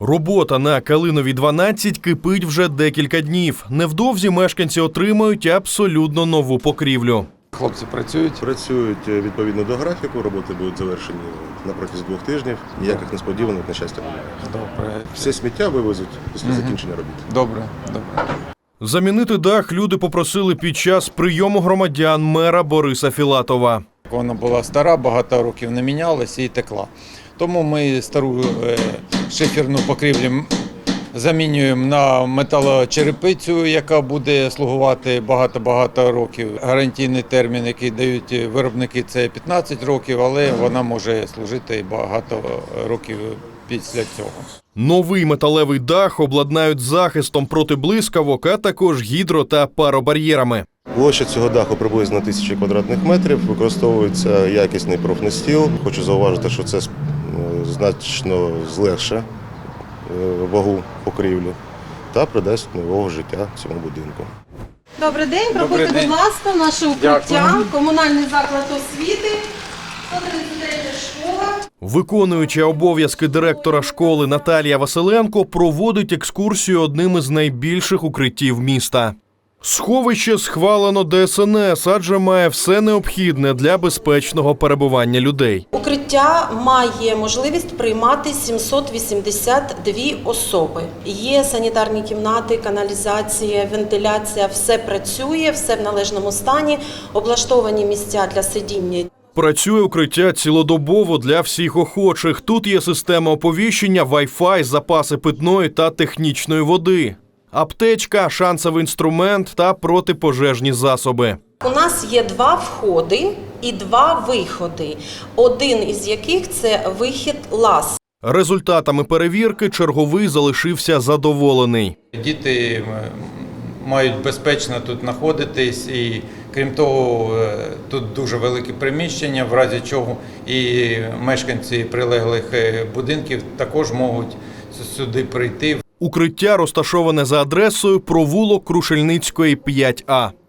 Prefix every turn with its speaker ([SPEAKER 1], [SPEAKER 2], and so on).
[SPEAKER 1] Робота на Калиновій 12 кипить вже декілька днів. Невдовзі мешканці отримають абсолютно нову покрівлю.
[SPEAKER 2] Хлопці працюють?
[SPEAKER 3] Працюють відповідно до графіку, роботи будуть завершені на протязі 2 тижнів. Ніяких несподіваних, на щастя, немає.
[SPEAKER 2] Добре.
[SPEAKER 3] Все сміття вивезуть після закінчення робіт.
[SPEAKER 2] Добре.
[SPEAKER 1] Замінити дах люди попросили під час прийому громадян мера Бориса Філатова.
[SPEAKER 2] Вона була стара, багато років не мінялася і текла. Тому ми стару шиферну покрівлю замінюємо на металочерепицю, яка буде слугувати багато-багато років. Гарантійний термін, який дають виробники, це 15 років, але вона може служити багато років після цього.
[SPEAKER 1] Новий металевий дах обладнають захистом проти блискавок, а також гідро- та паробар'єрами.
[SPEAKER 3] Площа цього даху приблизно 1000 квадратних метрів. Використовується якісний профнастіл. Хочу зауважити, що це значно злегше вагу покрівлі та придасть нового життя цьому будинку.
[SPEAKER 4] Добрий день, проходьте, будь ласка, наше укриття, комунальний заклад освіти, 133 школа.
[SPEAKER 1] Виконуюча обов'язки директора школи Наталія Василенко проводить екскурсію одним із найбільших укриттів міста. Сховище схвалено ДСНС, адже має все необхідне для безпечного перебування людей.
[SPEAKER 4] Укриття має можливість приймати 782 особи. Є санітарні кімнати, каналізація, вентиляція, все працює, все в належному стані, облаштовані місця для сидіння.
[SPEAKER 1] Працює укриття цілодобово для всіх охочих. Тут є система оповіщення, Wi-Fi, запаси питної та технічної води, аптечка, шансовий інструмент та протипожежні засоби.
[SPEAKER 4] У нас є 2 входи і 2 виходи, один із яких – це вихід ЛАЗ.
[SPEAKER 1] Результатами перевірки черговий залишився задоволений.
[SPEAKER 2] Діти мають безпечно тут знаходитись і, крім того, тут дуже велике приміщення, в разі чого і мешканці прилеглих будинків також можуть сюди прийти.
[SPEAKER 1] Укриття розташоване за адресою провулок Крушельницької, 5А.